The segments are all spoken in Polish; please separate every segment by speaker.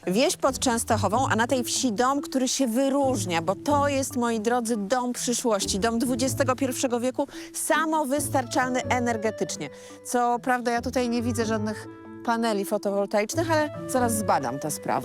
Speaker 1: Wieś pod Częstochową, a na tej wsi dom, który się wyróżnia, bo to jest, moi drodzy, dom przyszłości, dom XXI wieku, samowystarczalny energetycznie. Co prawda ja tutaj nie widzę żadnych paneli fotowoltaicznych, ale zaraz zbadam tę sprawę.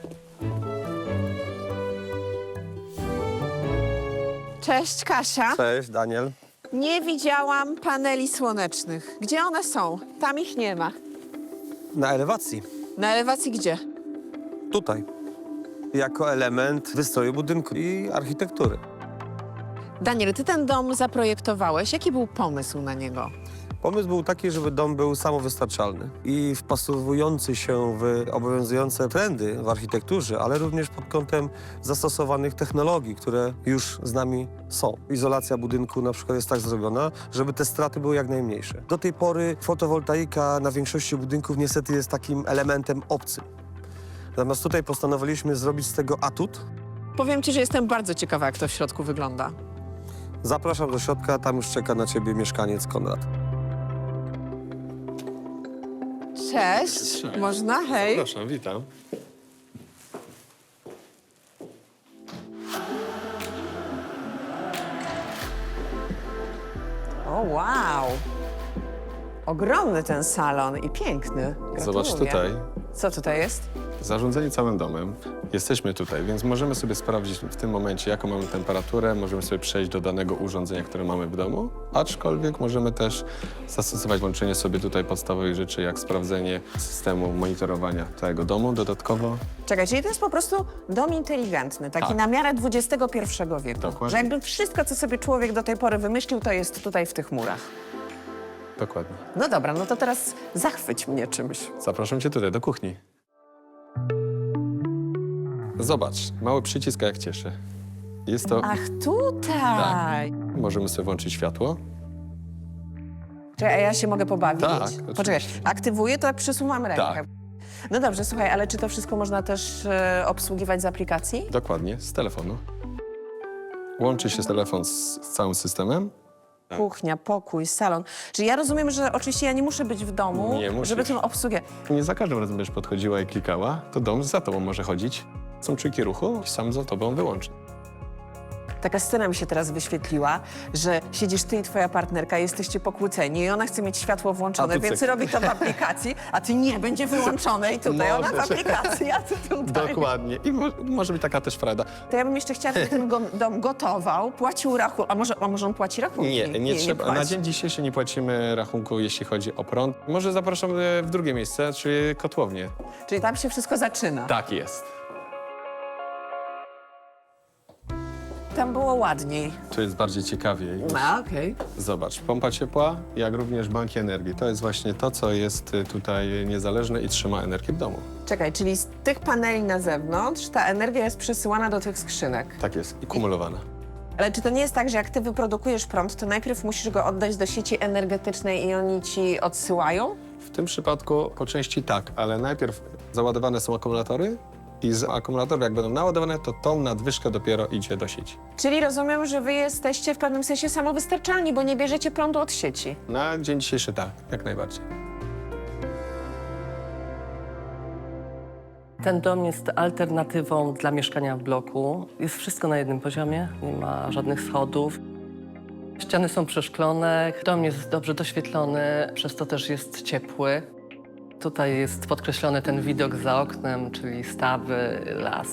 Speaker 1: Cześć, Kasia.
Speaker 2: Cześć, Daniel.
Speaker 1: Nie widziałam paneli słonecznych. Gdzie one są? Tam ich nie ma.
Speaker 2: Na elewacji.
Speaker 1: Na elewacji gdzie?
Speaker 2: Tutaj. Jako element wystroju budynku i architektury.
Speaker 1: Daniel, ty ten dom zaprojektowałeś. Jaki był pomysł na niego?
Speaker 2: Pomysł był taki, żeby dom był samowystarczalny i wpasowujący się w obowiązujące trendy w architekturze, ale również pod kątem zastosowanych technologii, które już z nami są. Izolacja budynku na przykład jest tak zrobiona, żeby te straty były jak najmniejsze. Do tej pory fotowoltaika na większości budynków niestety jest takim elementem obcym. Natomiast tutaj postanowiliśmy zrobić z tego atut.
Speaker 1: Powiem ci, że jestem bardzo ciekawa, jak to w środku wygląda.
Speaker 2: Zapraszam do środka, tam już czeka na ciebie mieszkaniec Konrad.
Speaker 1: Cześć.
Speaker 3: Cześć.
Speaker 1: Można? Hej.
Speaker 3: Proszę, witam.
Speaker 1: O, wow. Ogromny ten salon i piękny.
Speaker 3: Zobacz
Speaker 1: Gratuluję.
Speaker 3: tutaj.
Speaker 1: Co tutaj jest?
Speaker 3: Zarządzanie całym domem. Jesteśmy tutaj, więc możemy sobie sprawdzić w tym momencie, jaką mamy temperaturę. Możemy sobie przejść do danego urządzenia, które mamy w domu. Aczkolwiek możemy też zastosować łączenie sobie tutaj podstawowych rzeczy, jak sprawdzenie systemu monitorowania całego domu. Dodatkowo
Speaker 1: Czekaj, czyli to jest po prostu dom inteligentny, taki
Speaker 3: Tak.
Speaker 1: na miarę XXI wieku.
Speaker 3: Dokładnie.
Speaker 1: Że jakby wszystko, co sobie człowiek do tej pory wymyślił, to jest tutaj w tych murach.
Speaker 3: dokładnie.
Speaker 1: No dobra, no to teraz zachwyć mnie czymś.
Speaker 3: Zapraszam cię tutaj, do kuchni. Zobacz, mały przycisk, a jak cieszy. Jest to...
Speaker 1: Ach, tutaj!
Speaker 3: Możemy sobie włączyć światło.
Speaker 1: Czekaj, a ja się mogę pobawić?
Speaker 3: Tak,
Speaker 1: Poczekaj,
Speaker 3: oczywiście.
Speaker 1: aktywuję, to przesuwam rękę.
Speaker 3: Tak.
Speaker 1: No dobrze, słuchaj, ale czy to wszystko można też obsługiwać z aplikacji?
Speaker 3: Dokładnie, z telefonu. Łączy się telefon z całym systemem. Tak.
Speaker 1: Kuchnia, pokój, salon. Czyli ja rozumiem, że oczywiście ja nie muszę być w domu,
Speaker 3: Nie musisz.
Speaker 1: żeby tym obsługiwać.
Speaker 3: Nie za każdym razem będziesz podchodziła i klikała, to dom za tobą może chodzić. Są czujki ruchu i sam za tobą wyłączy.
Speaker 1: Taka scena mi się teraz wyświetliła, że siedzisz ty i twoja partnerka, jesteście pokłóceni i ona chce mieć światło włączone,
Speaker 3: A tu
Speaker 1: więc
Speaker 3: cyk.
Speaker 1: robi to w aplikacji, a ty nie, będzie wyłączone i tutaj ona w
Speaker 3: Może się.
Speaker 1: aplikacji, a ty tutaj.
Speaker 3: Dokładnie. I może być taka też frajda.
Speaker 1: To ja bym jeszcze chciała, żeby ten dom gotował, płacił rachunek, a może on płaci rachunki?
Speaker 3: Nie trzeba.
Speaker 1: płaci.
Speaker 3: Na dzień dzisiejszy nie płacimy rachunku, jeśli chodzi o prąd. Może zapraszam w drugie miejsce, czyli kotłownię.
Speaker 1: Czyli tam się wszystko zaczyna.
Speaker 3: Tak jest.
Speaker 1: Tam było ładniej.
Speaker 3: Tu jest bardziej ciekawiej.
Speaker 1: A, okej.
Speaker 3: Zobacz, pompa ciepła, jak również banki energii. To jest właśnie to, co jest tutaj niezależne i trzyma energię w domu.
Speaker 1: Czekaj, czyli z tych paneli na zewnątrz ta energia jest przesyłana do tych skrzynek.
Speaker 3: Tak jest. I kumulowana.
Speaker 1: Ale czy to nie jest tak, że jak ty wyprodukujesz prąd, to najpierw musisz go oddać do sieci energetycznej i oni ci odsyłają?
Speaker 3: W tym przypadku po części tak, ale najpierw załadowane są akumulatory i z akumulatorów jak będą naładowane, to tą nadwyżkę dopiero idzie do sieci.
Speaker 1: Czyli rozumiem, że wy jesteście w pewnym sensie samowystarczalni, bo nie bierzecie prądu od sieci.
Speaker 3: Na dzień dzisiejszy tak, jak najbardziej.
Speaker 4: Ten dom jest alternatywą dla mieszkania w bloku. Jest wszystko na jednym poziomie, nie ma żadnych schodów. Ściany są przeszklone, dom jest dobrze doświetlony, przez to też jest ciepły. Tutaj jest podkreślony ten widok za oknem, czyli stawy, las.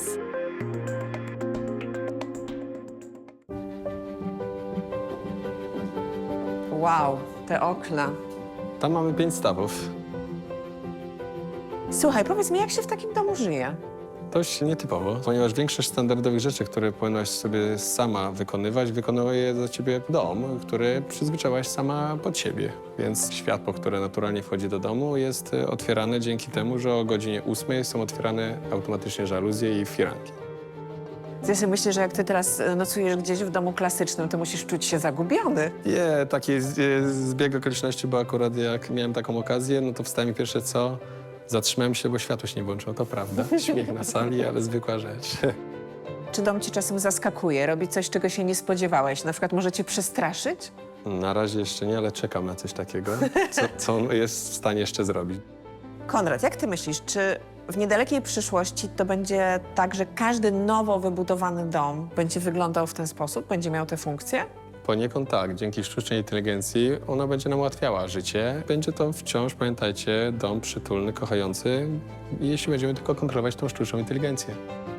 Speaker 1: Wow, te okna.
Speaker 3: Tam mamy 5 stawów.
Speaker 1: Słuchaj, powiedz mi, jak się w takim domu żyje?
Speaker 3: Dość nietypowo, ponieważ większość standardowych rzeczy, które powinnaś sobie sama wykonywać, wykonuje za ciebie dom, który przyzwyczaiłaś sama pod siebie. Więc światło, które naturalnie wchodzi do domu, jest otwierane dzięki temu, że o godzinie 8 są otwierane automatycznie żaluzje i firanki.
Speaker 1: Ja sobie myślę, że jak ty teraz nocujesz gdzieś w domu klasycznym, to musisz czuć się zagubiony.
Speaker 3: Nie, taki zbieg okoliczności, bo akurat jak miałem taką okazję, no to wstałem i pierwsze co, zatrzymałem się, bo światło się nie włączyło, to prawda. Śmiech na sali, ale zwykła rzecz.
Speaker 1: Czy dom ci czasem zaskakuje, robi coś, czego się nie spodziewałeś? Na przykład może cię przestraszyć?
Speaker 3: Na razie jeszcze nie, ale czekam na coś takiego, co on jest w stanie jeszcze zrobić.
Speaker 1: Konrad, jak ty myślisz, czy W niedalekiej przyszłości to będzie tak, że każdy nowo wybudowany dom będzie wyglądał w ten sposób, będzie miał te funkcje?
Speaker 3: Poniekąd tak, dzięki sztucznej inteligencji ona będzie nam ułatwiała życie. Będzie to wciąż, pamiętajcie, dom przytulny, kochający, jeśli będziemy tylko kontrolować tą sztuczną inteligencję.